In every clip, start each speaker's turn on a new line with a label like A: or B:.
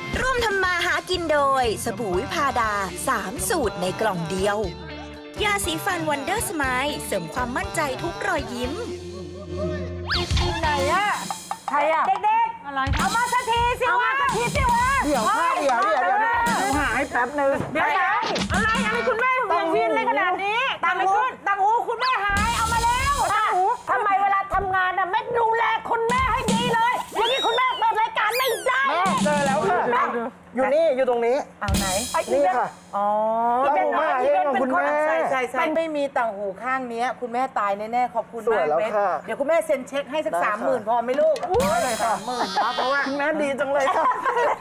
A: ร่วมทำมาหากินโดยสบู่วิพาดา3 สูตรในกล่องเดียวยาสีฟันวันเดอร์สไมล์เสริมความมั่นใจทุกรอยยิ้ม
B: ไหนอะใครอะเด็กๆอะไรเอามาสักทีสิวะ
C: เดี๋ยวหาให้แป๊บนึง
B: เดี๋ยวอะไรคุณแม่เวียนเวียนเลยขนาดนี้ตังหูคุณแม่หายเอามาแล้วตังหูทำไมเวลาทำงานน่ะไม่ดูแลคุณแม่ให้ดีเลยอย่างนี้คุณแม่เปิดรายการไม่ได้
C: เจอแล้วค่ะอยู่นี่อยู่ตรงนี้
B: เอาไหน
C: นี่ค่ะ
B: อ๋อ
C: ตังหูมาเองของคุณแม่
B: ใช่ไม่มีต่างหูข้างนี้คุณแม่ตายแน่ๆขอบคุณ
C: สวย
B: มาก
C: แล้ว
B: เบส
C: ค่ะ
B: เดี๋ยวคุณแม่เซ็นเช็คให้สัก
C: ได้ค่ะ
B: 30,000พอไหมลูก
C: ได้เลยค่ะ
B: 30,000นะเพราะว่า
C: คุณแม่ดีจังเลยค่ะ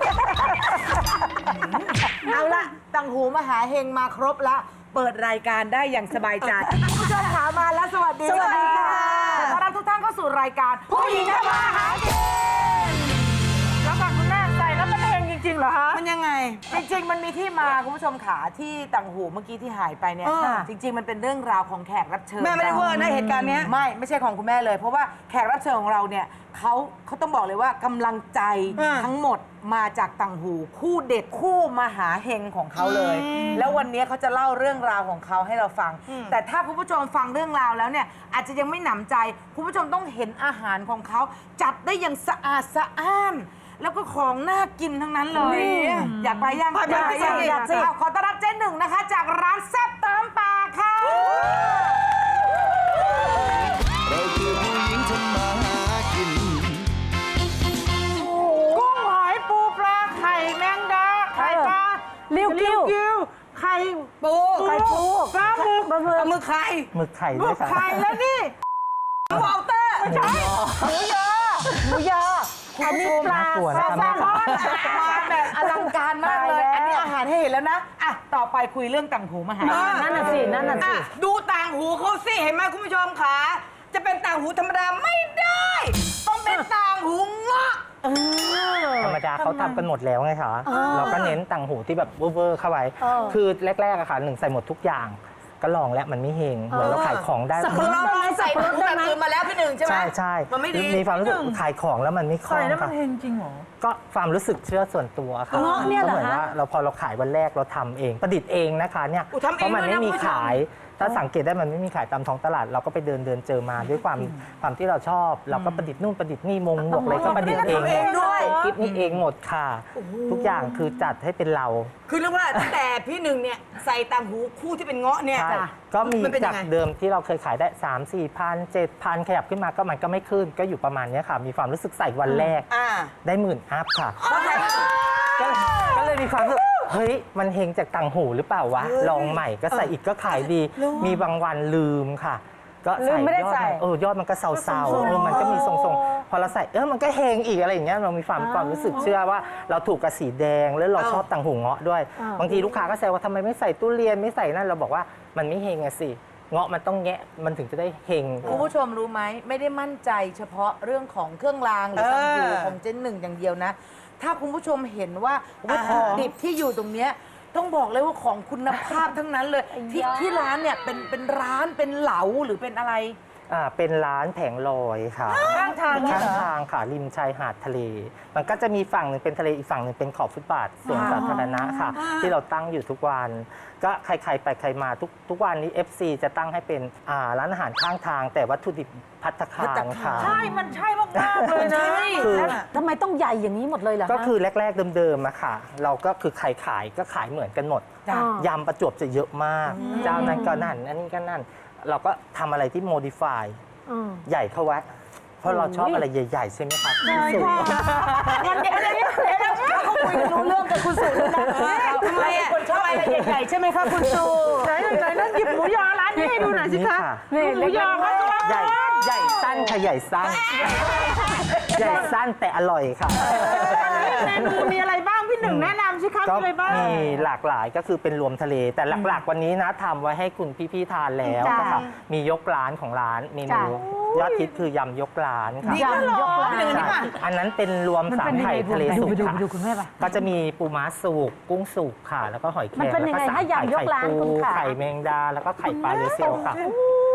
B: เอาละต่างหูมหาเฮงมาครบละเปิดรายการได้อย่างสบายใจผู้ชมขามาแล้วสวัสดี
C: สวัสดีค่ะ
B: ขอต้อนรับทุกท่านเข้าสู่รายการผู้หญิงทำมาหากินแล้วก่อนคุณแม่ใส่แล้วมันเฮงจริงๆเหรอฮะ
D: มันยังไง
B: จริงๆ มันมีที่มาคุณผู้ชมขาที่ต่างหูเมื่อกี้ที่หายไปเนี่ย
D: อ่า
B: จริง ๆ มันเป็นเรื่องราวของแขกรับเชิญ
D: แม่ไม่ได้เวอร์นะเหตุการณ์เนี้ย
B: ไม่ใช่ของคุณแม่เลย เพราะว่าแขกรับเชิญของเราเนี่ยเขาต้องบอกเลยว่ากำลังใจทั้งหมดมาจากต่างหูคู่เด็ดคู่มหาเฮงของเขาเลย แล้ววันนี้เขาจะเล่าเรื่องราวของเขาให้เราฟัง แต่ถ้าคุณผู้ชมฟังเรื่องราวแล้วเนี่ยอาจจะยังไม่หนำใจคุณผู้ชมต้องเห็นอาหารของเขาจัดได้อย่างสะอาดสะอ้าน แล้วก็ของน่ากินทั้งนั้นเลย อยากไปยัง
D: อยากสิ
B: เอาขอต้อนรับเจ๊หนึ่งนะคะ จากร้านแซ่บตามปากค่ะ
E: เราคือผู้หญิงทำมาหากิน
B: กุ้งหอยปูปลาไข่แมงดาไข่ปลาลิ้วกิ้วไข่
D: ปู
B: ปลาหมึก
D: ปลาหมึกไข่
C: หมึกไข่
B: ห
C: ด้
B: มึ
C: วย
B: ก
C: ค่ะ
B: ไข่แล้วนี่
D: วอลเตอร์
B: ไม่ใช่หมูยออันนี้ปลา
C: ตัว
B: แซ
C: นะ
B: ล
C: คะ
B: มอนมาแบบอลังการมากเลย อันนี้อาหารให้เห็นแล้วนะอ่ะต่อไปคุยเรื่องต่างหูมาหา
D: นั่นน่ะสิดูต่างหูเขาสิเห็นไหมคุณผู้ชมขาจะเป็นต่างหูธรรมดาไม่ได้ ต้องเป็นต่างหูเงาะ
C: ธรรมดาเขาทำกันหมดแล้วไงคะเราก็เน้นต่างหูที่แบบเวอร์ๆเข้าไว้ คือแรกๆอะค่ะหนึ่งใส่หมดทุกอย่าง ก็ลองแล้วมันไม่เฮงเหมือนเราขายของได้
D: เราลองใส่ต่างหูแบบอื่นมาแล้วพี่หนึ่งใช่ไหม
C: ใช่
D: มันไม่ดี
C: มีความรู้สึกขายของแล้วมันไม่คล่องค่ะ
B: จริงเหรอ
C: ก็ความรู้สึกเชื่อส่วนตัวค่ะ
D: เงาะเนี่ยเหรอ
C: ก็มือน
D: ฮะ
C: ว่าเราพอเราขายวันแรกเราทำเองประดิษฐ์เองนะคะเนี่ย
D: ทำเอง
C: เพราะมันไม่มี
D: ด้วยนะ
C: ขาย ถ้าสังเกตได้มันไม่มีขายตามท้องตลาด เราก็ไปเดินเจอมาด้วยความที่เราชอบ เราก็ประดิษฐ์นู่นประดิษฐ์นี่มงหมวกอะไรก็ประดิษฐ์เอง
D: ทำเองด้วย
C: กิ๊บนี่เองหมดค่ะ ทุกอย่างคือจัดให้เป็นเรา
D: คือเรียกว่าตั้งแต่พี่หนึ่งเนี่ยใส่ต่างหูคู่ที่เป็นเงาะเนี่ย
C: ใช่ก็มี
D: มันเป็นยั
C: จาก
D: งไง
C: เดิมที่เราเคยขายได้ 3 4 พัน7,000 ขยับขึ้นมาก็มันก็ไม่ขึ้นก็อยู่ประมาณเนี้ยค่ะ มีความรู้สึกใส่วันแรก
D: อ่า
C: ได้10,000 อัพค่ะ
D: เพราะใส่
C: ก็เลยมีความรู้สึกเฮ้ย มันเฮงจากต่างหูหรือเปล่าวะ ลองใหม่ก็ใส่อีกก็ขายดี มีบางวันลืมค่ะ ก็ใส่ยอดยอดมันก็เซาๆมันก็มีทรงๆ พอเราใส่มันก็เฮงอีกอะไรอย่างเงี้ยเรามีความรู้สึกเชื่อว่าเราถูกกับสีแดงแล้วเราชอบต่างหูเงาะด้วย บางทีลูกค้าก็แซวว่าทำไมไม่ใส่ตู้เรียนไม่ใส่นั่นเราบอกว่ามันไม่เฮงอะสิเงาะมันต้องแงะมันถึงจะได้เฮง
B: คุณผู้ชมรู้ไหมไม่ได้มั่นใจเฉพาะเรื่องของเครื่องรางหรือต่างหูของเจนหนึ่งอย่างเดียวนะ ถ้าคุณผู้ชมเห็นว่าวัตถุดิบที่อยู่ตรงเนี้ยต้องบอกเลยว่าของคุณภาพทั้งนั้นเลยที่ร้านเนี่ยเป็นร้านเป็นเหลาหรือเป็นอะไร
C: เป็นร้านแผงลอยค่ะ
B: ข้างทางเนี่ย
C: ข้าง
B: เหรอ
C: ทางค่ะริมชายหาดทะเล มันก็จะมีฝั่งหนึ่งเป็นทะเลอีกฝั่งหนึ่งเป็นขอบฟุตบาทส่วนสาธารณะค่ะ ที่เราตั้งอยู่ทุกวัน ก็ใครๆไปใครมาทุกวันนี้ FC จะตั้งให้เป็นร้านอาหารข้างทาง แต่วัตถุดิบภัตตาคารค่ะ
B: ใช่ มันใช่มากๆเลยนะ
C: คือ
F: ทำไมต้องใหญ่อย่างนี้หมดเลยเหรอ
C: ก็
F: คะ
C: คือแรกๆเดิมๆอะค่ะ เราก็คือใครขายก็ขายเหมือนกันหมด
B: จ้ะ
C: ยำประจวบจะเยอะมาก เจ้านั้นก็นั่น อันนี้ก็นั่น เราก็ทำอะไรที่โมดิฟายใหญ่เข้าไว้ เพราะเราชอบอะไรใหญ่ๆ ใช่ไหมคะสูง
B: มันเดี๋ยวเขาคุยกันรู้เรื่องกับคุณสุแล้วนะทำไมอ่ะคนชอบอะไรใหญ่ๆใช่ไหมคะคุณสุไหนนั่นหยิบหมูยอร้านนี้ให้ดูหน่อยสิคะ
C: นี่
B: หมูยอเขาจะ
C: ใหญ่สั้นค่ะใหญ่สั้น ใหญ่สั้นแต่อร่อยค่ะ
B: เมนูมีอะไรบ้างพี่หนึ่งแนะนำสิคะ
C: ก็
B: มีอะไรบ้าง
C: มีหลากหลายก็คือเป็นรวมทะเล แต่หลักๆ วันนี้นะทำไว้ให้คุณพี่ๆทานแล้ว
F: จ้ะ
C: นะคะมียกร้านของร้านเมนูยอดฮิตคือยำยกร้านค่ะ
D: นี่ก็เหรอพี่หนึ่งนี่ป่ะ
C: อันนั้นเป็นรวมสามไข่ทะเลสุกค่ะ
F: ดูคุณแม่ป่ะ
C: ก็จะมีปูม้าสุกกุ้งสุกค่ะ แล้วก็หอยแครง
F: มันเป็นยังไง
C: แล้วก็
F: ถ้ายำยกร้าน
C: ไข่
F: คุณ
C: ปู
F: ค่ะ
C: ไข่แมงดาแล้วก็ไข่ปลาเรือเซลค่ะ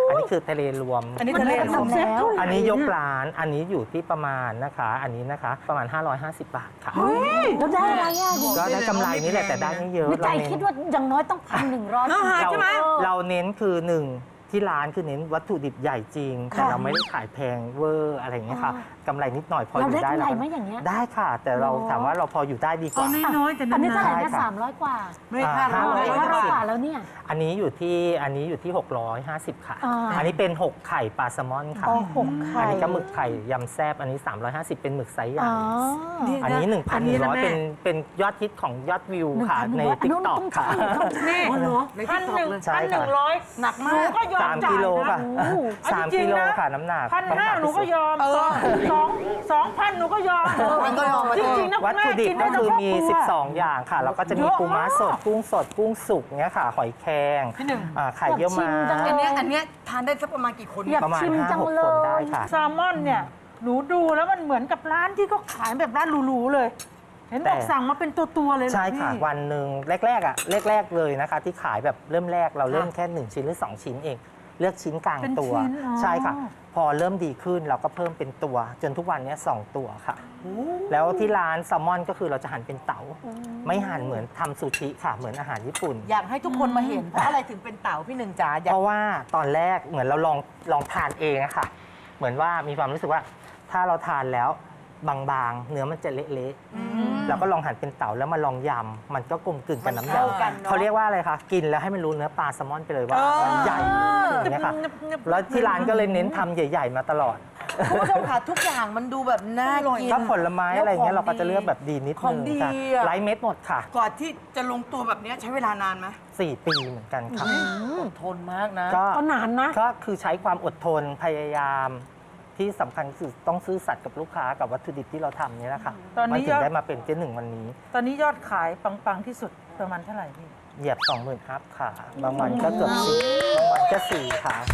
C: อันนี้คือทะเลรวม
D: อันนี้ทะเล
F: มัน
D: รวม
F: ทำแล้ว
C: อันนี้ยกร้านอันนี้อยู่ที่ประมาณนะคะ อันนี้นะคะประมาณ 550 บาทค่ะ
F: แล้วได้อะไรอ่ะ
C: ก็ได้กำไรนี่แหละแต่ได้ไม่เยอะ
F: วิจัยคิดว่าอย่างน้อยต้อง1,100
C: เราเน้นคือหนึ่งที่ร้านคือเน้นวัตถุดิบใหญ่จริง แต่เราไม่ได้ขายแพงเวอร์อะไรอย่างเงี้ยค่ะกำไรนิดหน่อยพออ
F: เรา
C: ยู่
F: ได้
C: ได้
F: กำไร
C: ก็
F: ไหมอย่างเงี้ย
C: ได้ค่ะ แต่เราถามว่าเราพออยู่ได้ดีกว่า
D: น้อยแต่
F: อันนี้
D: นา
F: เท่าไหร่
D: น
F: นะ300 กว่า
D: ไม่ค่า
C: 550
F: 500 กว่าแล้วเนี่ย
C: อันนี้อยู่ที่650 ค่ะ
F: อ่า
C: อันนี้เป็น 6 ไข่ปลาแซลมอนค่ะ
F: อ๋อ6 ไข่
C: อันนี้ก็หมึกไข่ยำแซบอันนี้ 350 เป็นหมึกไซส์ใหญ่
F: อ๋อ
C: อันนี้
D: อันนี้นะ
C: 1,100
D: แม่
C: เป็นยอดฮิตของยอดวิวค่ะ ใน
F: 1,100
C: ติ๊กต็อก
F: ต้อง
C: ค่ะ
B: นี่
F: อ๋อเหรอ
B: ในที่ตอกเลย
C: ใช่ค่ะ
D: หนักมาก
C: 3 กิโลค่ะ
F: โอ้โห
C: 3 กิโลค่ะน้ำหนัก
G: 1,500หนูก็ยอม2,000หนูก็ยอม
B: มันก็ยอมมา
G: จริงๆนะ
C: วัตถุดิบก็คือมี 12 อย่างค่ะ แล้วก็จะมีปูม้าสด กุ้งสด กุ้งสุกเนี้ยค่ะ หอยแครงไข่เยี่ยวม้า
F: อยากชิมจังเลย
D: อันเนี้ยทานได้สักประมาณกี่คน
F: อยาก
C: ประมาณ
F: ชิมจัง
C: 5-6
F: เล
C: คนได้
F: ย
C: ค่ะ
G: แซลมอนเนี่ย หนูดูแล้วมันเหมือนกับร้านที่เขาขายแบบร้านหรูๆเลย เห็นบอก
C: แต่
G: สั่งมาเป็นตัวๆเลยเหรอ
C: ใช่ค่ะ
G: พี่
C: วันหนึ่งแรกๆเลยนะคะ ที่ขายแบบเริ่มแรกเราเริ่มแค่ 1 ชิ้นหรือ 2 ชิ้นเอง เลือกชิ้นกลาง
G: เป็น
C: ตัว
G: ชิ้นอ๋อ
C: ใช่ค่ะ พอเริ่มดีขึ้นเราก็เพิ่มเป็นตัว จนทุกวันนี้2 ตัวค่ะ แล้วที่ร้านแซลมอนก็คือเราจะหั่นเป็นเต๋าไม่หั่นเหมือนทำซูชิค่ะ เหมือนอาหารญี่ปุ่น
B: อยากให้ทุกคนมาเห็นเพราะอะไรถึงเป็นเต่าพี่หนึ่งจ๋าอยาก
C: เพราะว่าตอนแรกเหมือนเราลองทานเองอะค่ะ เหมือนว่ามีความรู้สึกว่าถ้าเราทานแล้วบางๆ เนื้อมันจะเละๆเราก็ลองหั่นเป็นเต๋าแล้วมาลองยำมันก็กลมกลืนกับน้ำย
B: มันเข้ากันเนอะ
C: ำเขาเรียกว่าอะไรคะกินแล้วให้มันรู้เนื้อปลาแซลมอนไปเลยว่ามันใหญ่อย่างเงี้ยค่ะแล้วที่ร้านก็เลยเน้นทำใหญ่ ๆ มาตลอด
B: คุณผู้ชมค่ะทุกอย่างมันดูแบบน่ากิน
C: ก็ผลไม้อะไรเงี้ยเราก็จะเลือกแบบดีนิด
B: ขอ
C: นึ
B: ง
C: ง
B: ดี
C: ค่ะ
B: อะ
C: ไร้เม็ดหมดค่ะ
D: ก่อนที่จะลงตัวแบบเนี้ยใช้เวลานานไหม
C: 4 ปีเหมือนกันค่ะ
B: ทนมากนะ
C: ก็
F: ก็นานนะ
C: ก็คือใช้ความอดทนพยายามที่สำคัญคือต้องซื่อสัตย์กับลูกค้ากับวัตถุดิบที่เราทำนี่แหละค่ะ
G: ตอนนี้
C: มันถึ
G: ย
C: ง
G: อด
C: ได้มาเป็นเจ๊หนึ่งวันนี้
G: ตอนนี้ยอดขายปังๆที่สุดประมาณเท่าไหร่พี่
C: เหยียบ 20,000อัพค่ะ บางวันก็เกือบ4บางวันก็4ค่ะ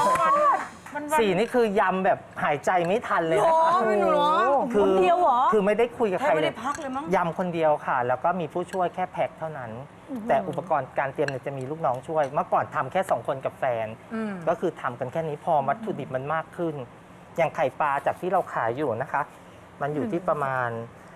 C: 4นี่คือยำแบบหายใจไม่ทันเลยนะคะ
D: ไม่หนูเหรอ
F: คนเดียวเหรอ
C: คือไม่ได้คุยกับ
D: แท
C: ใค
D: บ
C: ร
D: ไม่
C: เล
D: ได้
C: ย
D: พักเลยมั้ง
C: ยำคนเดียวค่ะ แล้วก็มีผู้ช่วยแค่แพ็คเท่านั้น แต่อุปกรณ์การเตรียมเนี่ยจะมีลูกน้องช่วย เมื่อก่อนทำแค่2 คนกับแฟน ก็คือทำกันแค่นี้พอวัตถุดิบมันมากขึ้น อย่างไข่ปลาจากที่เราขายอยู่นะคะ มันอยู่ที่ประมาณ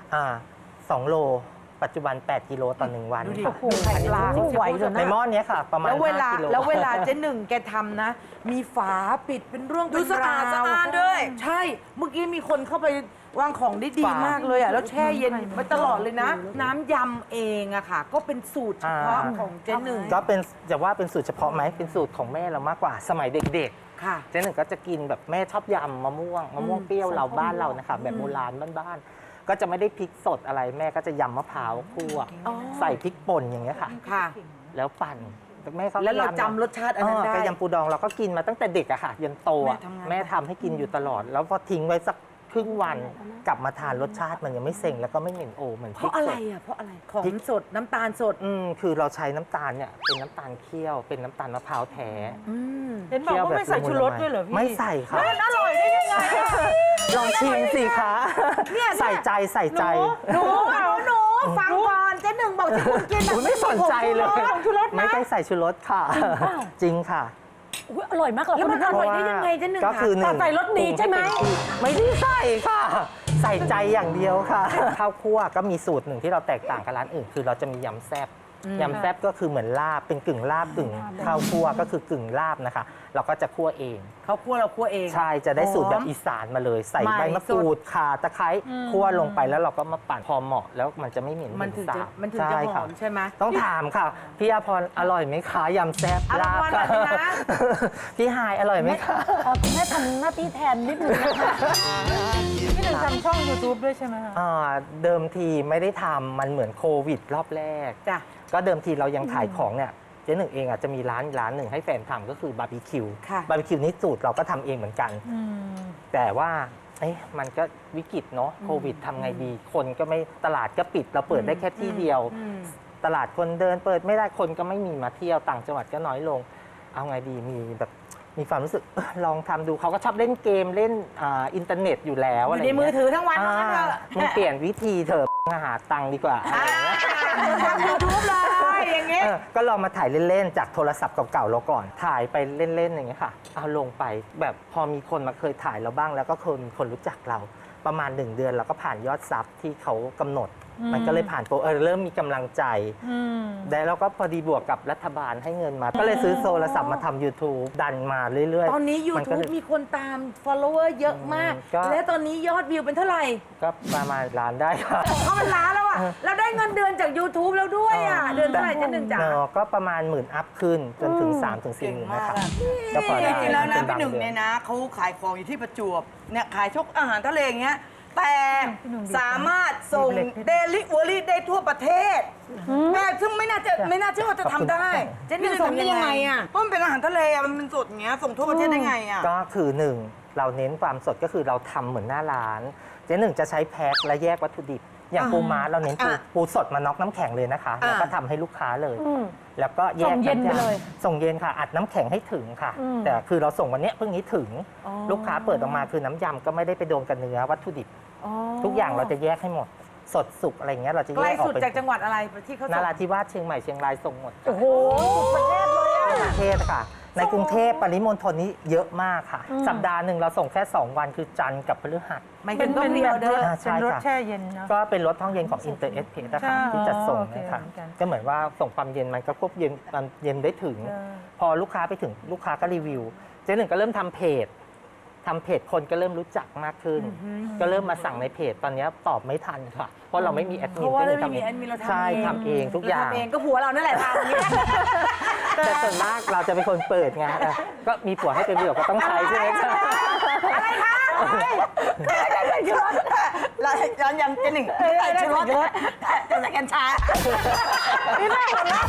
C: 2 โล ปัจจุบัน 8 กิโลต่อ 1 วัน
B: ดูดิ
C: ค่ะ
F: โอ้โหไข่ปลาไหวเลยนะ
C: ในหม้อเนี้ยค่ะ ประมาณ
B: แล้วเวลา
C: 5 กิโล
B: แล้วเวลาเจ๊หนึ่งแกทำนะ มีฝาปิดเป็นเรื่อง
D: ดู
B: เป็น
D: สะอาด
B: ราว
D: สะอาดด้วย
B: ใช่ เมื่อกี้มีคนเข้าไปวางของได้ดีมากเลยอ่ะแล้วแช่เย็นมาตลอดเลยนะ น้ำยำเองอะค่ะ ก็เป็นสูตรเฉพาะของเจ๊หนึ่ง
C: ก็เป็นจะว่าเป็นสูตรเฉพาะไหมเป็นสูตรของแม่เรามากกว่าสมัยเด็ก
B: ค่ะ
C: ๆเจ๊หนึ่งก็จะกินแบบแม่ชอบยำมะม่วงเปรี้ยวเราบ้านเรานะคะแบบโบราณบ้านๆก็จะไม่ได้พริกสดอะไรแม่ก็จะยำมะพร้าวคั่ว
B: อ๋อ
C: ใส่พริกป่นอย่างเงี้ยค่ะ
B: ค่ะ
C: แล้วปั่นแม่เขา
B: แล้วเรา
C: พยยม
B: จำรสชาติอันนั้นได้
C: กระยำปูดองเราก็กินมาตั้งแต่เด็กอะค่ะยันโตอะ
B: แม่ทำงาน
C: แม่ทำให้กินอยู่ตลอด แล้วพอทิ้งไว้สักครึ่งวันกลับมาทานรสชาติมันยังไม่เซ็งแล้วก็ไม่เหม็นโอเหมือน
B: เพ
C: พริ
B: ราะ
C: ก
B: อะ
C: ส
B: ไร
C: ด
B: อ่ะเพราะอะไรของสดน้ำตาลสด
C: คือเราใช้น้ำตาลเนี่ยเป็นน้ำตาลเคี่ยวเป็นน้ำตาลมะพร้าวแท้
B: อืม
G: เห็นบอกว่าไม่ใส่ชูรสด้วยเหรอพี่
C: ไม่ใส่ค่ะ
G: มันอร่อยได้ยังไงอะ
C: ลองชิมสิคะใส่ใจใส่ใจ
G: หนู
B: ฟังก่อนเจ๊หนึ่งบอกที่คุณกิน
C: อุ๊ยไม่สนใจเลย
G: ชูรส
C: ไม่
G: นะ
C: ได้ใส่ชูรสค่ะ จริงค่ะ
F: อุ๊ยอร่อยมากเลย
B: แล้วมันอร่อยได้ยังไงเจ๊หนึ่ง
C: ก็คือหนึ่ง
F: ใส่รสดีใช่ไหม
C: ไม่ได้ใส่ค่ะ ใส่ใจอย่างเดียวค่ะ ข้าวคั่วก็มีสูตรหนึ่งที่เราแตกต่างกับร้านอื่น คือเราจะมียำแซ่บยำแซ่บก็คือเหมือนลาบเป็นกึ่งลาบกึ่งข้าวคั่วก็คือกึ่งลาบนะคะ เราก็จะคั่วเอง
B: เขาคั่วเราคั่วเอง
C: ใช่จะได้สูตรแบบอีสานมาเลย ใส่ใบมะกรูดข่าตะไคร้คั่วลงไปแล้วเราก็มาปั่นพอเหมาะแล้วมันจะไม่เหม็น
B: มันถึง
C: สา
B: จะ
C: บ
B: มันถึงจะหอมใช่ไหม
C: ต้องถามค่ะ พี่อาพรอร่อยไหมคะยำแซ่บ
B: อร่
C: ลา
B: อย
C: บ
B: อร่อยนะ
C: พี่ฮายอร่อยไหมคะ
F: คุณแม่ทำหน้าที่แทนนิดนึงนะคะ
G: พี่หนึ่งทำช่อง YouTube ด้วยใช่ไหมคะ
C: เดิมทีไม่ได้ทำมันเหมือนโควิดรอบแรก
B: จ้ะ
C: ก็เดิมทีเรายังขายของเนี่ยเจ๊หนึ่งเองอ่ะจะมีร้านหนึ่งให้แฟนทำก็คือบาร์บีคิว
B: ค่ะ
C: บาร์บีคิวนี้สูตรเราก็ทำเองเหมือนกัน แต่ว่ามันก็วิกฤตเนาะโควิดทำไงดี คนก็ไม่ตลาดก็ปิดเราเปิดได้แค่ที่เดียว ตลาดคนเดินเปิดไม่ได้คนก็ไม่มีมาเที่ยวต่างจังหวัดก็น้อยลง เอาไงดีมีแบบมีความรู้สึกลองทำดูเขาก็ชอบเล่นเกมเล่นอินเทอร์เน็ตอยู่แล้ว
D: อยู่
C: อะไร
D: ใน
C: ย่าง
D: มื
C: เงี้
D: อย ถือทั้งวันทั้งนั้นเถอะ
C: มึงเปลี่ยนวิธีเถอะหาตังค์ดีกว่าอะไรอย่างเงี้ย
D: ทำยูทูบเลยอย่างเงี้ย
C: ก็ลองมาถ่ายเล่น ๆ จากโทรศัพท์เก่าๆเราก่อนถ่ายไปเล่น ๆ อย่างเงี้ยค่ะ เอาลงไปแบบพอมีคนมาเคยถ่ายเราบ้างแล้วก็มีคนรู้จักเราประมาณ 1 เดือนเราก็ผ่านยอดซับที่เขากำหนด มันก็เลยผ่านโปรเริ่มมีกำลังใจแล้วเราก็พอดีบวกกับรัฐบาลให้เงินมา ก็เลยซื้อโทรศัพท์มาทำ YouTube ดันมาเรื่อยๆ
B: ตอนนี้
C: มัก็เล
B: YouTube มีคนตาม follower เยอะมาก
C: ก็
B: และตอนนี้ยอดวิวเป็นเท่าไหร่
C: ก็ประมาณล้านได้ค่ะ
B: เขาเป็นล้านแล้วอ่ะเราได้เงินเดือนจาก YouTube แล้วด้วยอ่ะ เดือนเท่าไหร่เจ๊หนึ่งจ๋า
C: ก็ประมาณ10,000 อัพขึ้นจนถึง 3-4,000นะคะก็พอ
D: จ
C: ได้
D: ริงๆแล้วนะ
C: เป็
D: พี่หนึ่ง
C: บาดือ
D: เนี่ยนะเขาขายของอยู่ที่ประจวบเนี่ยขายชกอาหารทะเลอย่างเงี้ยแต่สามารถส่งเดลิเวอรี่ได้ทั่วประเทศแม่ซึ่งไม่น่าเชื่อว่าจะทำได้
B: เจ๊หนึ่งส่งยังไงอ่ะ
D: เพราะมันเป็นอาหารทะเลอะมันเป็นสดอย่างเงี้ยส่งทั่วประเทศได้ไงอ่ะ
C: ก็คือ1เราเน้นความสดก็คือเราทำเหมือนหน้าร้านเจ๊หนึ่งจะใช้แพ็คและแยกวัตถุดิบ อย่างปูม้าเราเน้นปูสดมาน็อกน้ำแข็งเลยนะคะแล้วก็ทำให้ลูกค้าเลย แล้วก็แยก
F: ส่งเย็นไปเลย
C: ส่งเย็นค่ะอัดน้ำแข็งให้ถึงค่ะ แต่คือเราส่งวันเนี้ยเพิ่งนี้ถึงลูกค้าเปิดออกมาคือน้ำยำก็ไม่ได้ไปโดนกับเนื้อวัตถุดิบทุกอย่างเราจะแยกให้หมดสดสุกอะไรเงี้ยเราจะ
B: ไก
C: แย
B: ล
C: กออก
B: สุด
C: เป็น
B: จากจังหวัดอะไรที่เขา
C: น
B: ส่ง
C: ราธิวาสเชียงใหม่เชียงรายส่งหมด
F: โอ้โหสุดประเทศเลยอ่ะ
C: ประเทศค่ะ ในกรุงเทพปริมณฑลนี้เยอะมากค่ะ สัปดาห์หนึ่งเราส่งแค่ 2 วันคือจันทร์กับพฤหัส
B: ไม่
G: เป็
B: เป็น น
G: เป็
B: ต้อง
G: น
B: มี
G: แบ
B: อบ อเด
G: ร
B: อ
G: ถ
B: ร์
C: ใช่
G: เป็นรถ
C: ค่ะ
G: แช่เย็นเนาะ
C: ก็เป็นรถห้องเย็นของ Inter SP นะ
G: ใช่
C: คะที่จัดส่ง
G: โอเค
C: นะคะ
G: เหมือนกัน
C: ก็เหมือนว่าส่งความเย็นมันก็ควบเย็นความเย็นได้ถึง พอลูกค้าไปถึงลูกค้าก็รีวิว เจ๊หนึ่งก็เริ่มทำเพจคนก็เริ่มรู้จักมากขึ้น ก็เริ่มมาสั่งในเพจตอนนี้ตอบไม่ทันค่ะ เพราะเราไม่มีแอดมิ
B: เพ
C: น
B: ราะว่า
C: ก็เลย
B: เราไม่
C: ทำ
B: มี
C: เอ
B: แอดมินเรา
C: ง
B: ทำ
C: ใช่ทำเองทุกอย่าง
B: ทำเองก็ผัวเรานั่นแหละทำเนี่ย
C: แต่ส่วนมากเราจะเป็นคนเปิดไงก็มีผัวให้เป็นเดี่ยวก็ต้องใช้ใช่ไหมคะ
D: อะไรคะเรายังเจหนึ่งใส่ชูรสจะใส่กัญชาพี่แม่หัวเราะ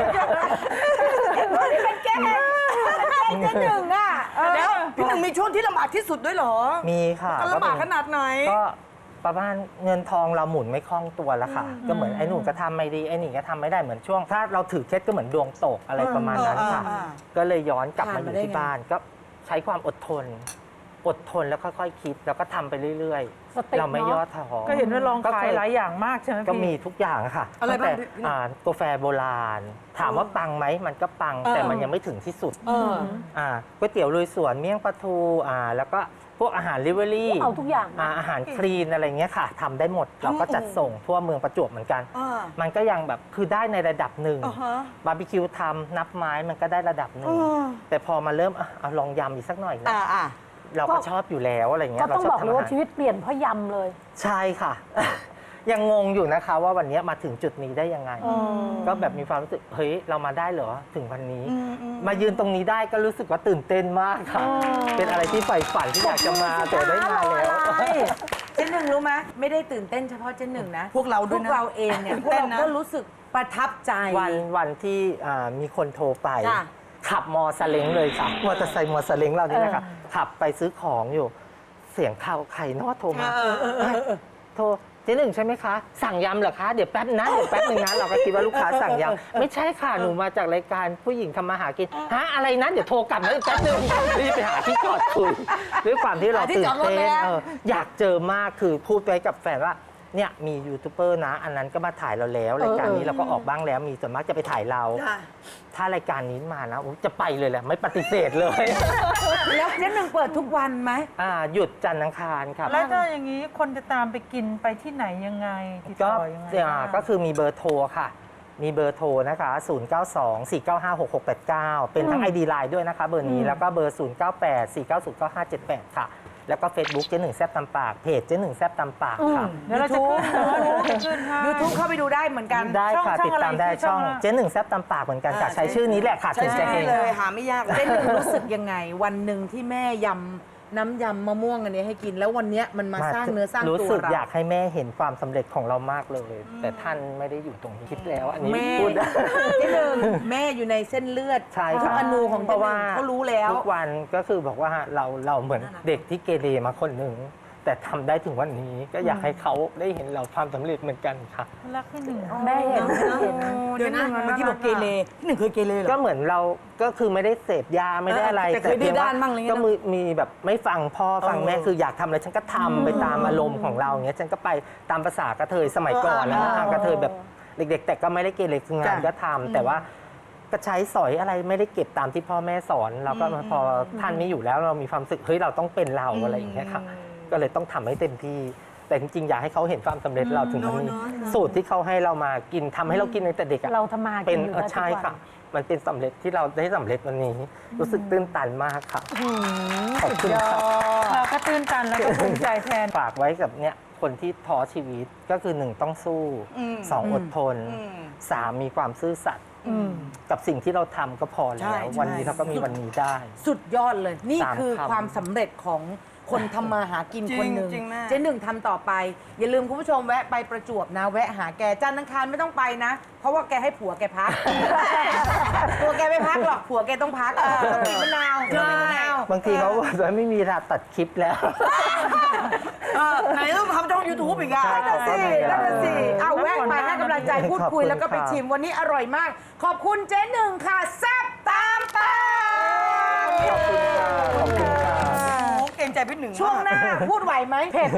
D: นี่เป็นแก้เจหนึ่งอ่ะเดี๋ยวพี่หนึ่งมีช่วงที่ลำบากที่สุดด้วยเหรอ
C: มีค่ะ
D: ลำบากขนาดไหน
C: ก็ประมาณเงินทองเราหมุนไม่คล่องตัวแล้วค่ะ ก็เหมือนไอ้หนุ่มก็ทำไม่ดีไอ้นี่ก็ทำไม่ได้เหมือนช่วง ถ้าเราถือเคล็ดก็เหมือนดวงตกอะไรประมาณนั้นค่ะ ก็เลยย้อนกลับมาอยู่ที่บ้านก็ใช้ความอดทนแล้วค่อยๆคิดแล้วก็ทำไปเรื่อย
F: สติ
C: ๆ เราไม่
F: เนอะ
C: ย่อท้อ
G: ก็เห็นว่าลองขายหลายอย่างมากใช่ไหม
C: ก็
G: พี่
C: มีทุกอย่างค่ะ
D: อะไร
C: ตั้งแต่
D: บ้างพี่
C: กาแฟโบราณ ถามว่าปังไหมมันก็ปังแต่มันยังไม่ถึงที่สุดก๋วยเตี๋ยวลุยสวนเมี่ยงปลาทูแล้วก็พวกอาหารลิเวอรี่
F: เอาทุกอย่าง
C: อาหารคลีนอะไรเงี้ยค่ะทำได้หมดเราก็จัดส่งทั่วเมืองประจวบเหมือนกัน มันก็ยังแบบคือได้ในระดับหนึ่งบาร์บีคิวทำนับไม้มันก็ได้ระดับหนึ่งแต่พอมาเริ่มเอาลองยำอีกสักหน่อยนะเราก็ชอบอยู่แล้วอะไรเงี้
F: ก็
C: ยเรา
F: ต้อง
C: ช
F: บ
C: อ
F: อบ ก
C: ทำ
F: เลย
C: อา
F: ว่า
C: หาร
F: ชีวิตเปลี่ยนเพราะยำเลย
C: ใช่ค่ะ ยังงงอยู่นะคะว่าวันนี้มาถึงจุดนี้ได้ยังไง ก็แบบมีความรู้สึกเฮ้ยเรามาได้เหรอถึงวันนี้ มายืนตรงนี้ได้ก็รู้สึกว่าตื่นเต้นมากค่ะ เป็นอะไรที่ใฝ่ฝันที่อยากจะมาแต่ได้มาแล้ว
B: เจ๊หนึ่งรู้ไหมไม่ได้ตื่นเต้นเฉพาะเจ๊หนึ่งนะ
D: พวกเราด้วยนะ
B: พวกเราเองเนี่ยพวก
D: ตื่นเต้น
B: เรา
D: นะ
B: ก็รู้สึกประทับใจ
C: วันที่มีคนโทรไป
B: จ้ะ
C: ขับมอซาเล้งเลยค่ะมอเตอร์ไซค์มอซาเล้งเรานี่นะคะขับไปซื้อของอยู่ เสียงข่าวไข่นอโทรมาโทรเจ๊หนึ่งใช่ไหมคะ สั่งยำเหรอคะเดี๋ยวแป๊บนะเดี๋ยวแป๊บนึงนะเราก็คิดว่าลูกค้าสั่งยำไม่ใช่ค่ะหนูมาจากรายการผู้หญิงทำมาหากินฮะอะไรนะเดี๋ยวโทรกลับนะแป๊บนึงรีบไปหาที่จอดคุยด้วยความที่เราตื่นเต้นอยากเจอมากคือพูดไปกับแฟนว่าเนี่ยมียูทูบเบอร์นะ อันนั้นก็มาถ่ายเราแล้วรายการนี้เราก็ออกบ้างแล้วมีส่วนมากจะไปถ่ายเรา ถ้ารายการนี้มานะจะไปเลยแหละไม่ปฏิเสธเลย
B: แล้วเจ๊หนึ่งเปิดทุกวันไหม
C: หยุดจันทร์อังคารครับ
G: แล้วถ้าอย่างนี้คนจะตามไปกินไปที่ไหนยังไงติด
C: ก็
G: ต่อยังไงบ้าง
C: ก็คือมีเบอร์โทรค่ะ มีเบอร์โทรนะคะ 0924956689 เป็นทั้ง ID Line ด้วยนะคะเบอร์นี้ แล้วก็เบอร์ 0984909578 ค่ะ แล้วก็ Facebook เจ๊หนึ่งแซ่บตำปาก เพจเจ๊หนึ่งแซ่บตำปากค่ะ
G: เดี๋ยวเราจะขึ้นเดี๋ยวเราจะขึ้นให้
B: YouTube เข้าไปดูได้เหมือนกัน
C: ได้ค่ะ
G: ช่อง
C: ติดตามได้
G: อะไร
C: ช่อง
G: ช่องอะไร
C: เจ๊หนึ่งแซ่บตำปากเหมือนกันค่ะใช้ชื่อนี้แหละค่ะถึงจะเฮง
D: เลยหาไม่ยาก
B: เจ๊หนึ่งรู้สึกยังไง วันหนึ่งที่แม่ยำน้ำยำมะม่วงอันนี้ให้กิน แล้ววันเนี้ยมันมาสร้างเนื้อสร้าง
C: รู้
B: ตัว
C: สึก
B: เรา
C: อยากให้แม่เห็นความสำเร็จของเรามากเลย แต่ท่านไม่ได้อยู่ตรงนี้คิดแล้ว อันนี้
B: แม่
C: พูดได้
B: เจ๊หนึ่งแม่อยู่ในเส้นเลือด
C: ใช่
B: ทุก
C: ค่ะ
B: อนูของ
C: เพ
B: เจ๊
C: ราะ
B: ห
C: ว่า
B: นึ่งเขารู้แล้ว
C: ทุกวันก็คือบอกว่าเราเหมือนเด็กที่เกเรมาคนหนึ่งแต่ทำได้ถึงวันนี้ก็อยากให้เขาได้เห็นเราความสำเร็จเหมือนกันค่ะ
G: รักพี่หนึ่ง
F: แม่เห็น
D: เดี๋ยวนะเมื่อกี้บอกเกเรพี่หนึ่งเคยเกเรเหรอ
C: ก็เหมือนเราก็คือไม่ได้เสพยาไม่ได้อะไร
D: แต่เคย
C: พีง
D: ดื้อด้านบ้างอะไรเงี้ย
C: ก็มีแบบไม่ฟังพ่อฟังแม่คืออยากทำอะไรฉันก็ทำไปตามอารมณ์ของเราอย่างเงี้ยฉันก็ไปตามภาษากระเทยสมัยก่อนนะกระเทยแบบเด็กๆแต่ก็ไม่ได้เกเรคืองานก็ทำแต่ว่าก็ใช้สอยอะไรไม่ได้เก็บตามที่พ่อแม่สอนเราก็พอท่านไม่อยู่แล้วเรามีความรู้สึกเฮ้ยเราต้องเป็นเราอะไรอย่างเงี้ยค่ะก็เลยต้องทำให้เต็มที่แต่จริงๆอยากให้เขาเห็นความสำเร็จเราถึงวันนี้สูตรที่เขาให้เรามากินทำให้เรากินตั้งแต่เด็กอะ
F: เราทำมา
C: เป็น
F: กินอยู่แล้ว
C: ใช่
F: ทุกวัน
C: ค่ะ มันเป็นสำเร็จที่เราได้สำเร็จวันนี้ รู้สึกตื้นตันมากค่ะขอบคุณค่ะ
G: เราก็ตื้นตันแล้วก็ภูมิใจแทน
C: ฝากไว้กับเนี่ยคนที่ท้อชีวิตก็คือ 1 ต้องสู้ 2 อดทน 3 มีความซื่อสัตย์กับสิ่งที่เราทำก็พอ
D: ใช่
C: แล้ว
D: ใช่
C: วันนี้เราก็มีวันนี้ได้
B: สุดยอดเลย นี่
C: สาม
B: คือ
C: คำ
B: ความสำเร็จของคนทำมาหากิน
D: จริง
B: คนหนึ่ง
D: จริงแม่
B: เจ๊หนึ่งทำต่อไป อย่าลืมคุณผู้ชมแวะไปประจวบนะ แวะหาแกจันทร์อังคารไม่ต้องไปนะ เพราะว่าแกให้ผัวแกพัก ตัวแกไม่พักหรอกผัวแกต้องพักต้องกินมะนาวต้องกินมะนาว
C: บางทีเขาบอกว่าไม่มีเวลาตัดคลิปแล้ว
D: ไหนต้องทำช่อง YouTube อีกอ่ะ
C: ใช่
B: นั่นสินั่นน่ะสิเอาแวะมา
G: ขอบคุณ
B: ให้กำลังใจพูดคุย
C: ขอบคุณ
B: แล้วก็ไป
C: ค่ะ
B: ชิมวันนี้อร่อยมาก ขอบคุณเจ๊หนึ่งค่ะแซ่บตามตา
C: ขอบคุณค่ะขอบคุณค่ะ
D: โอ้เกรงใจพี่หนึ่ง
B: ช่วงหน้าพูดไหวไหมเผ็ด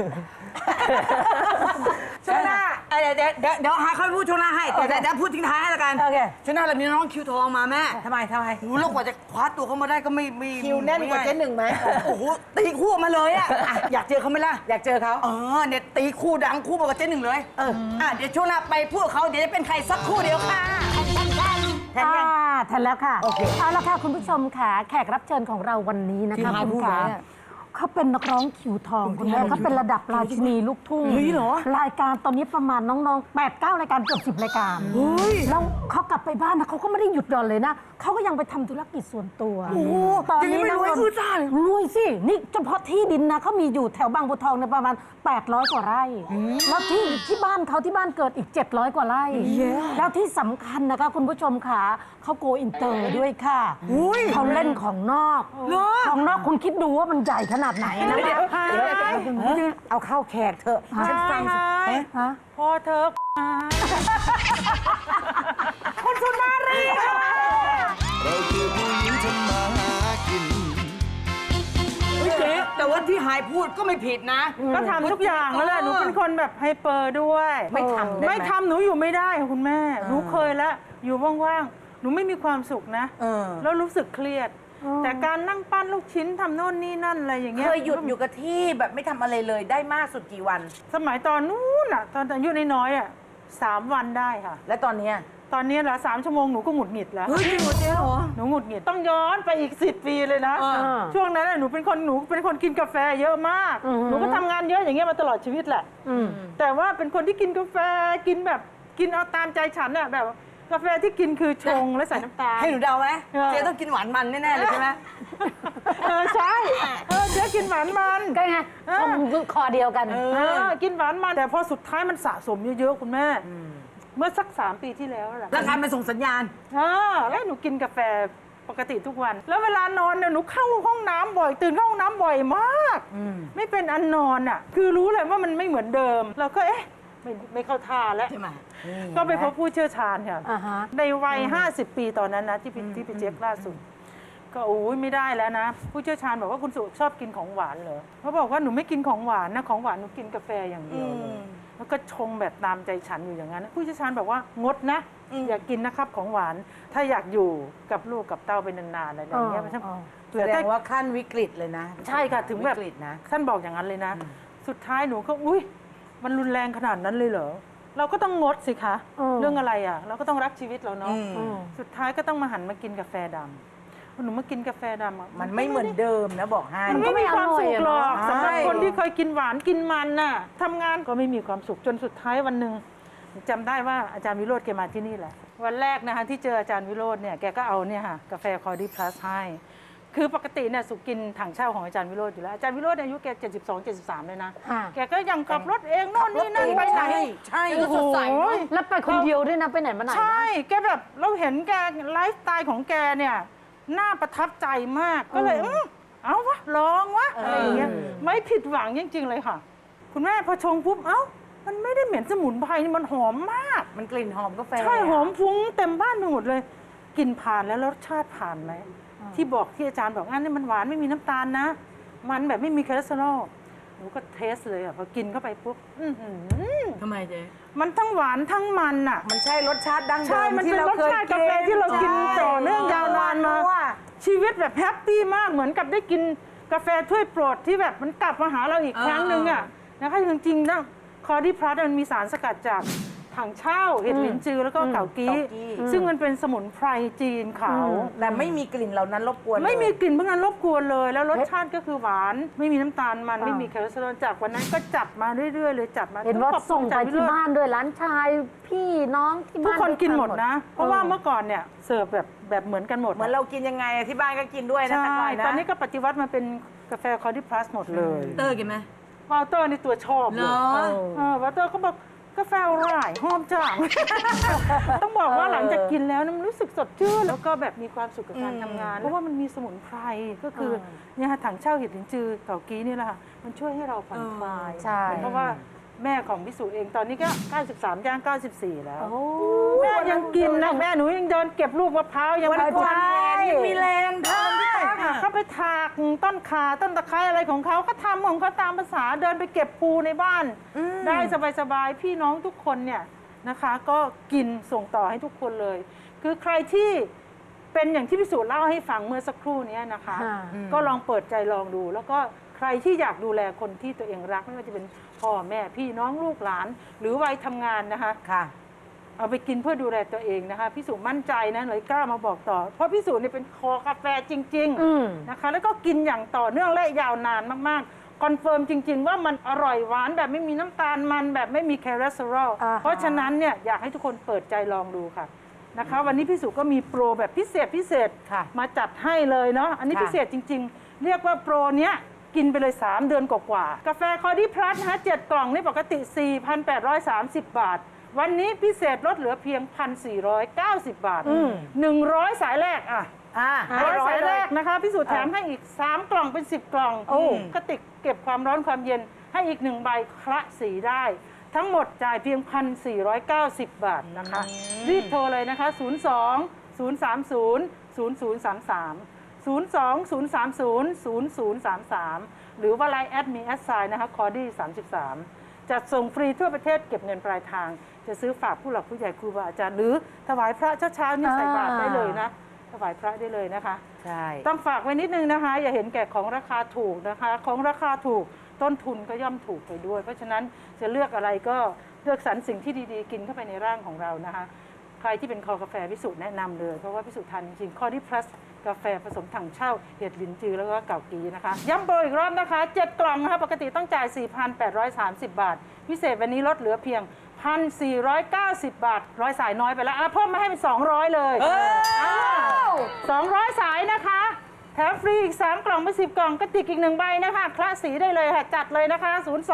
B: ช่วงหน้า
D: เดี๋ยวหาค่อยพูดช่วงหน้าให้แต่เดี๋ยวพูดทิ้งท้ายให้ละกัน
B: โอเค
D: ช่วงหน้าเรามีน้องคิวทองมาแม่
B: ทำไม
D: หูแล้วกว่าจะคว้าตัวเขามาได้ก็ไม่
B: คิวแน่นกว่าเจ๊หนึ่งไหม
D: โอ้โหตีคู่มาเลยอ่ะอยากเจอเขาไหมล่ะ
B: อยากเจอเขา
D: เนี่ยตีคู่ดังคู่มากับเจ๊หนึ่งเลยเดี๋ยวช่วงหน้าไปพูดกับเขาเดี๋ยวจะเป็นใครสักครู่เดียวค่ะแทนยัง
F: ทันแล้วค่ะ
B: โอเค
F: เอาละค่ะคุณผู้ชมค่ะแขกรับเชิญของเราวันนี้นะคะ
D: ที่หาย
F: คุณ
D: ผู้
F: ขา
D: ร้าย
F: เขาเป็นนักร้องคิวทองคุณแม่เขาเป็นระดับราชินีลูกทุ่ง
D: เฮ้ยเหรอ
F: รายการตอนนี้ประมาณน้องๆ 8-9 รายการเกือบ10 รายการแล้วเขากลับไปบ้านนะเขาก็ไม่ได้หยุดหย่อนเลยนะเขาก็ยังไปทำธุรกิจส่วนตัวตอนนี้
D: ยังไม่รวย
F: นะ
D: อื้อจ้าเลย
F: รวยสินี่เฉพาะที่ดินนะเขามีอยู่แถวบางบัวทองในยประมาณ800 กว่าไร่แล้วที่บ้านเขาที่บ้านเกิดอีก700 กว่าไร่แล้วที่สำคัญนะคะคุณผู้ชมค่ะเขาโกอินเตอร์ด้วยค่ะเขาเล่นของนอกของนอกคุณคิดดูว่ามันใหญ่ขนาดไหนนะคะ
B: เอาเข้าแขกเถอะฉันฟังสิ
F: ฮะ
G: พอเธอ
B: คุณสุนารีค่ะ
E: เราคือผู้หญิงทำมาหากิน
D: เจ๊แต่ว่าที่หายพูดก็ไม่ผิดนะ
G: ก็ทำทุกอย่างแล้วแหละหนูเป็นคนแบบไฮเปอร์ด้วย
B: ไม่ทำได้ไหม
G: ไม่ทำหนูอยู่ไม่ได้ค่ะคุณแม่ หนูเคยแล้วอยู่ว่างๆ หนูไม่มีความสุขนะ แล้วรู้สึกเครียด แต่การนั่งปั้นลูกชิ้นทำโน่นนี่นั่นอะไรอย่างเงี้ย
B: เคยหยุดอยู่กับที่แบบไม่ทำอะไรเลยได้มากสุดกี่วัน
G: สมัยตอนนู้นอ่ะตอนอายุน้อยๆอ่ะ3 วันได้ค่ะ
B: และตอนเนี้ย
G: ตอนนี้ละ3 ชั่วโมงหนูก็หงุดหงิดแล้ว
D: เฮ้ยจริงเหรอเจ๊เหรอ
G: หนูหงุดหงิดต้องย้อนไปอีก10 ปีเลยนะ ช่วงนั้นน่ะหนูเป็นคนกินกาแฟเยอะมาก หนูก็ทำงานเยอะอย่างเงี้ยมาตลอดชีวิตแหละ แต่ว่าเป็นคนที่กินกาแฟกินแบบกินเอาตามใจฉันอะแบบกาแฟที่กินคือชงและใส่น้ำตาล
D: ให้หนูเดาไหม
G: เออ
D: เจ๊ต้องกินหวานมันแน่ๆเลยใช่ไหม
G: ใช่เจ๊กินหวานมัน
F: ก็ไงชมคอเดียวกัน
G: กินหวานมันแต่พอสุดท้ายมันสะสมเยอะๆคุณแม่ เมื่อสัก3 ปีที่แล้วแหละ
D: ร่างกายมันส่งสัญญาณ
G: แล้วหนูกินกาแฟปกติทุกวัน แล้วเวลานอนเนี่ยหนูเข้าห้องน้ำบ่อยตื่นเข้าห้องน้ำบ่อยมากไม่เป็นอันนอนอ่ะคือรู้เลยว่ามันไม่เหมือนเดิมเราก็ไม่เข้าท่าแล้ว
D: ใช่ไหม
G: ก็ไปพบผู้เชี่ยวชาญค่ะ
F: อ่าฮะ
G: ในวัย50 ปีตอนนั้นนะที่ไปเช็คล่าสุด ก็โอ้ยไม่ได้แล้วนะ ผู้เชี่ยวชาญบอกว่าคุณสุชอบกินของหวานเหรอเขาบอกว่าหนูไม่กินของหวานนะของหวานหนูกินกาแฟอย่างเดียวเลยแล้วก็ชงแบบตามใจฉันอยู่อย่างนั้น ผู้เชี่ยวชาญบอกว่างดนะอย่ากินนะครับของหวาน ถ้าอยากอยู่กับลูกกับเต้าไปนานๆอะไรอย่างเงี้ยมันจะ
B: แสดงว่าขั้นวิกฤตเลยนะ
G: ใช่ค่ะถึงแบบ
B: วิกฤตนะ
G: ท่านบอกอย่างนั้นเลยนะ สุดท้ายหนูก็อุ้ยมันรุนแรงขนาดนั้นเลยเหรอเราก็ต้องงดสิคะเรื่องอะไรอ่ะเราก็ต้องรักชีวิตเราเนาะสุดท้ายก็ต้องมาหันมากินกาแฟดำหนูมากินกาแฟดำอะ
B: มันไม่เหมือนเดิมนะบอกให้
G: มันไม่มีความสุขหรอก
B: ใช่
G: สำหรับคนที่เคยกินหวานกินมันน่ะทำงานก็ไม่มีความสุขจนสุดท้ายวันหนึ่งจำได้ว่าอาจารย์วิโรจน์แกมาที่นี่แหละวันแรกนะคะที่เจออาจารย์วิโรจน์เนี่ยแกก็เอาเนี่ยค่ะกาแฟคอร์ดี้พลัสให้คือปกติเนี่ยสุกินถังเช่าของอาจารย์วิโรจน์อยู่แล้วอาจารย์วิโรจน์อายุแก72-73เลยนะ
F: ค่ะ
G: แกก็ยังขับรถเองโน่นนี่นั่นไปไหน
B: ใช่
G: โอ้โห
F: แล้วไปคนเดียวด้วยนะไปไหนมาไหนนะ
G: ใช่แกแบบเราเห็นแกไลฟ์สไตล์ของแกเนี่ยน่าประทับใจมากก็เลยเอาวะลองวะอะไรอย่างเงี้ยไม่ผิดหวังจริงๆเลยค่ะ คุณแม่พอชงปุ๊บเอ้ามันไม่ได้เหม็นสมุนไพรนี่มันหอมมาก
B: มันกลิ่นหอมกาแฟ
G: ใช่หอมฟุ้งเต็มบ้านไปหมดเลยกลิ่นผ่านแล้วรสชาติผ่านไหมที่บอกที่อาจารย์บอกงั้นนี่มันหวานไม่มีน้ำตาลนะ มันแบบไม่มีคอเลสเตอรอลหนูก็เทสเลยอ่ะพอกินเข้าไปปุ๊บทำไมเจ๊มันทั้งหวานทั้งมันอ่ะ
B: มันใช่รสชาติดั้งเดิ
G: ใช่
B: ม
G: มัน
B: ที่
G: เป็น
B: เรา
G: รส
B: เคย
G: ชาติ
B: กิ
G: กาน แฟที่เรากินต่อเนื่องยาวนานมา
B: ว่า
G: ชีวิตแบบแฮปปี้มากเหมือนกับได้กินกาแฟถ้วยโปรดที่แบบมันกลับมาหาเราอีกครั้งหนึ่งอ่ะนะคะจริงๆนะคอร์ดิพลัสมันมีสารสกัดจากถังเช่าเห็ดหลินจือแล้วก็เกากี้ซึ่งมันเป็นสมุนไพรจีนขาว
B: แต่ไม่มีกลิ่นเหล่านั้นรบกวน
G: ไม่มีกลิ่นพวกนั้นรบกวนเลย แล้วรสชาติก็คือหวานไม่มีน้ำตาลมันไม่มีคอเลสเตอรอลจากวันนั้นก็จัดมาเรื่อยๆเลยจัดมา
F: เห็นว่าส่งไปที่บ้านด้วยร้านชายพี่น้องที่
G: ทุก
F: บ้าน
G: คนกินหมด
F: ทา
G: นะ เพราะว่าเมื่อก่อนเนี่ยเสิร์ฟแบบเหมือนกันหมด
B: เหมือนเรากินยังไงที่บ้านก็กินด้วยนะ
G: ใช่
B: แต่ก่อนนะ
G: ตอนนี้ก็ปฏิวัติมาเป็นกาแฟคอร์ดิพลัสหมดเลย
D: เตอร์กินไหม
G: วอลเตอร์นี่ตัวชอบเลย
D: เหรอ
G: วอลเตอร์ก็บอกกาแฟอร่อยหอมจัง ต้องบอกว่าหลังจากกินแล้วมันรู้สึกสดชื่นแล้วก็แบบมีความสุขกับการทำงาน เพราะว่ามันมีสมุนไพรก็คือเนี่ยค่ะถังเช่าเห็ดหลินจือเกากี้นี่แหละค่ะมันช่วยให้เราผ่อนคลาย
F: ใช่
G: เพราะว่าแม่ของพิสุเองตอนนี้ก็ 93 ย่าง 94 แล้ว แม่ยังกินนะแม่หนูยังเดินเก็บลูกมะพร้าวยัง
B: วัน
G: ไม่
B: ก่อนยังมีแรงทำพี่ตั๊ก
G: ค่ะเขาไปถากต้นขาต้นตะไคร้อะไรของเขาทำของเขาตามภาษาเดินไปเก็บปูในบ้าน ได้สบายๆพี่น้องทุกคนเนี่ยนะคะก็กินส่งต่อให้ทุกคนเลย คือใครที่เป็นอย่างที่พิสูจน์เล่าให้ฟังเมื่อสักครู่นี้นะคะ ก็ลองเปิดใจลองดู แล้วก็ใครที่อยากดูแลคนที่ตัวเองรักไม่ว่าจะเป็นพ่อแม่พี่น้องลูกหลาน หรือวัยทำงานนะคะ
B: ค่ะ
G: เอาไปกินเพื่อดูแลตัวเองนะคะพี่สุมั่นใจนะเลยกล้ามาบอกต่อ เพราะพี่สุเนี่ยเป็นคอกาแฟจริงๆนะคะแล้วก็กินอย่างต่อเนื่องและยาวนานมากๆคอนเฟิร์มจริง ๆ ว่ามันอร่อยหวานแบบไม่มีน้ำตาลมันแบบไม่มีคอเลสเตอรอลเพราะฉะนั้นเนี่ยอยากให้ทุกคนเปิดใจลองดูค่ะนะคะวันนี้พี่สุก็มีโปรแบบพิเศษ
B: ค่ะ มา
G: จัดให้เลยเนาะอันนี้
B: ค่ะ
G: พิเศษจริง ๆ เรียกว่าโปรเนี้ยกินไปเลย 3 เดือนกว่าๆกาแฟคอร์ดิพลัสนะคะ7กล่องนี่ปกติ 4,830 บาท วันนี้พิเศษลดเหลือเพียง 1,490 บาท 100 สายแรกอ่ะ 100 สายแรกนะคะพิสูจน์แถมให้อีก 3 กล่องเป็น 10 กล่องกระติกเก็บความร้อนความเย็นให้อีก 1 ใบคละสีได้ ทั้งหมดจ่ายเพียง 1,490 บาทนะคะ รีบโทรเลยนะคะ 02 030 0033 02-030-0033 หรือว่าไลน์แอดมีแอดไซน์นะคะคอร์ดี้33จัดส่งฟรีทั่วประเทศเก็บเงินปลายทาง จะซื้อฝากผู้หลักผู้ใหญ่ครูบาอาจารย์ หรือถวายพระเช้าๆนี่ใส่บาตรได้เลยนะ ถวายพระได้เลยนะคะ
B: ใช่
G: ต้องฝากไว้นิดนึงนะคะ อย่าเห็นแก่ของราคาถูกนะคะ ของราคาถูกต้นทุนก็ย่อมถูกไปด้วย เพราะฉะนั้นจะเลือกอะไรก็เลือกสรรสิ่งที่ดีๆ กินเข้าไปในร่างของเรานะคะ ใครที่เป็นคอกาแฟพิสูจน์แนะนำเลย เพราะว่าพิสูจน์ทานจริงๆคอร์ดิพลัสกาแฟผสมถังเช่าเห็ดหลินจือแล้วก็เกากีนะคะ ย้ำโปรอีกรอบนะคะ 7 กล่องนะคะปกติต้องจ่าย 4,830 บาท พิเศษวันนี้ลดเหลือเพียง 1,490 บาทร้อยสายน้อยไปแล้วเพิ่มมาให้เป็น 200 เลย200 สายนะคะแถมฟรีอีก 3 กล่องเป็น10 กล่องกระติกอีก 1 ใบนะคะคละสีได้เลยค่ะจัดเลยนะคะ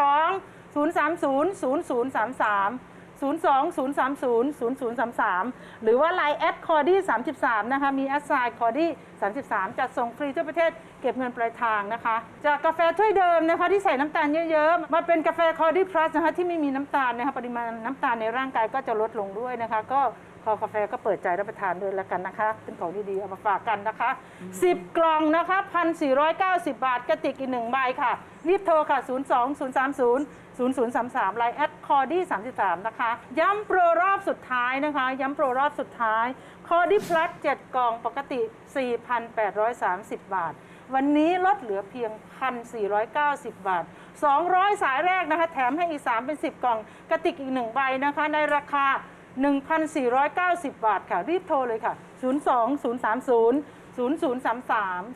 G: 02 030 0033 02-030-0033 หรือว่า Line แอดคอร์ดี้33นะคะมีแอดไซน์คอร์ดี้33จัดส่งฟรีทั่วประเทศเก็บเงินปลายทางนะคะจากกาแฟถ้วยเดิมนะคะที่ใส่น้ำตาลเยอะๆมาเป็นกาแฟคอร์ดี้พลัสนะคะที่ไม่มีน้ำตาลนะคะปริมาณน้ำตาลในร่างกายก็จะลดลงด้วยนะคะก็คอกาแฟก็เปิดใจรับประทานด้วยแล้วกันนะคะเป็นของดีๆเอามาฝากกันนะคะ10 กล่องนะคะ 1,490 บาทกระติกอีก1ใบค่ะรีบโทรค่ะ 02-030-0033 ไลน์แอดคอร์ดี้33นะคะย้ำโปรรอบสุดท้ายนะคะย้ำโปรรอบสุดท้ายคอร์ดี้พลัส7 กล่องปกติ 4,830 บาทวันนี้ลดเหลือเพียง 1,490 บาท200 สายแรกนะคะแถมให้อีก3เป็น10 กล่องกระติกอีก1ใบนะคะในราคา 1,490 บาทค่ะรีบโทรเลยค่ะ 02-030-0033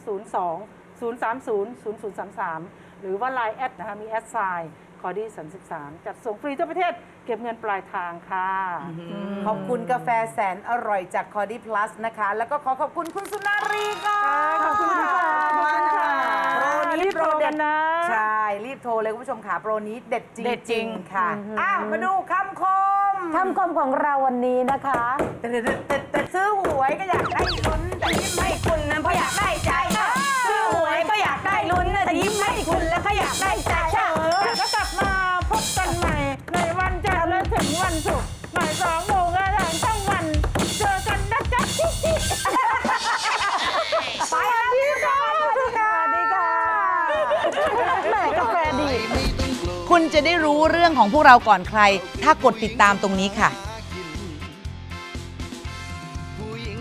G: 02-030-0033 หรือว่า Line แอดนะคะมีแอดไซน์คอร์ดี้33จัดส่งฟรีทั่วประเทศเก็บเงินปลายทางค่ะ
B: ขอบคุณกาแฟแสนอร่อยจากคอร์ดี้พลัสนะคะ แล้วก็ขอบคุณคุณสุนารีค่ะ
G: ขอบคุณค่ะขอบคุณค่ะ
B: โปรนี้
G: รีบ
B: โปร
G: โทร
B: เด็
G: กั
B: ด
G: นนะ
B: ใช่ รีบโทรเลยคุณผู้ชมค่ะ โปรนี้เด็ดจริง
D: เด็ดจริง
B: ค่ะมาดูคำคม
F: คำคมของเราวันนี้นะคะ
B: แต่ซื้อหวยก็อยากได้ลุ้นแต่ยิ้มให้คุณนั้นเพราะอยากได้ใจซื้อหวยก็อยากได้
H: จะได้รู้เรื่องของพวกเราก่อนใคร ถ้ากดติดตามตรงนี้ค่ะ